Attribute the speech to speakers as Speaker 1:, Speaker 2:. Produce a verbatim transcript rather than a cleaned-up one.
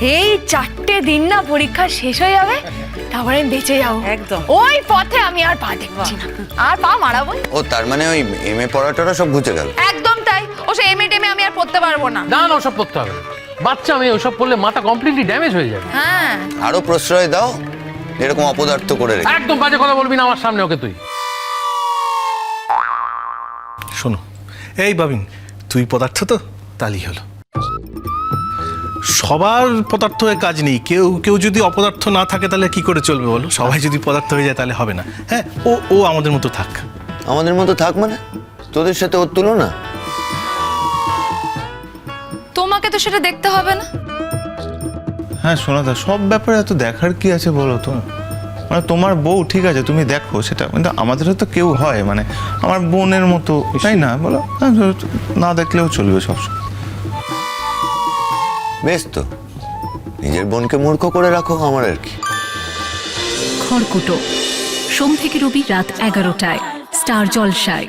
Speaker 1: এই চারটে দিন না পরীক্ষা শেষ হয়ে যাবে, তারপরে আমি বেঁচে যাবো
Speaker 2: একদম।
Speaker 1: ওই পথে আমি আর পা দেখছি না, আর পা মারাবো।
Speaker 3: ও তার মানে ওই এম এ পড়াটা সব ঘুচে গেল।
Speaker 1: একদম তাই, ও সে এমএ টেমে আমি আর পড়তে পারবো না।
Speaker 4: না না ওসব করতে হবে না, বাচ্চা মেয়ে ওসব করলে মাথা কমপ্লিটলি ড্যামেজ হয়ে যাবে।
Speaker 1: হ্যাঁ
Speaker 3: আরো প্রশ্রয় দাও, এরকম অপদার্থ করে রেখে।
Speaker 4: একদম বাজে কথা বলবি না আমার সামনে ওকে তুই।
Speaker 5: শোনো এই বাবিন, তুই পদার্থ তো তালি হলো। সবার পদার্থ হয়ে কাজ নেই, কেউ কেউ যদি অপদার্থ না থাকে তাহলে কি করে চলবে বলো? সবাই যদি পদার্থ হয়ে যায় তাহলে হবে না। হ্যাঁ, ও ও আমাদের মতো থাক।
Speaker 3: আমাদের মতো থাক মানে? তোদের সাথে ওর তুলনা?
Speaker 1: তোমাকে তো সেটা দেখতে হবে না।
Speaker 6: হ্যাঁ সোনাদা, সব ব্যাপারে এত দেখার কি আছে বলো তো? মানে তোমার বউ ঠিক আছে, তুমি দেখো সেটা, কিন্তু আমাদেরও তো কেউ হয়, মানে আমার বোনের মতো, তাই না বলো? হ্যাঁ, না দেখলেও চলবে সবসময়।
Speaker 3: বেশ তো, নিজের বোনকে মূর্খ করে রাখো, আমার আর কি।
Speaker 7: খড়কুটো সোম থেকে রবি রাত এগারোটায় স্টার জলসায়।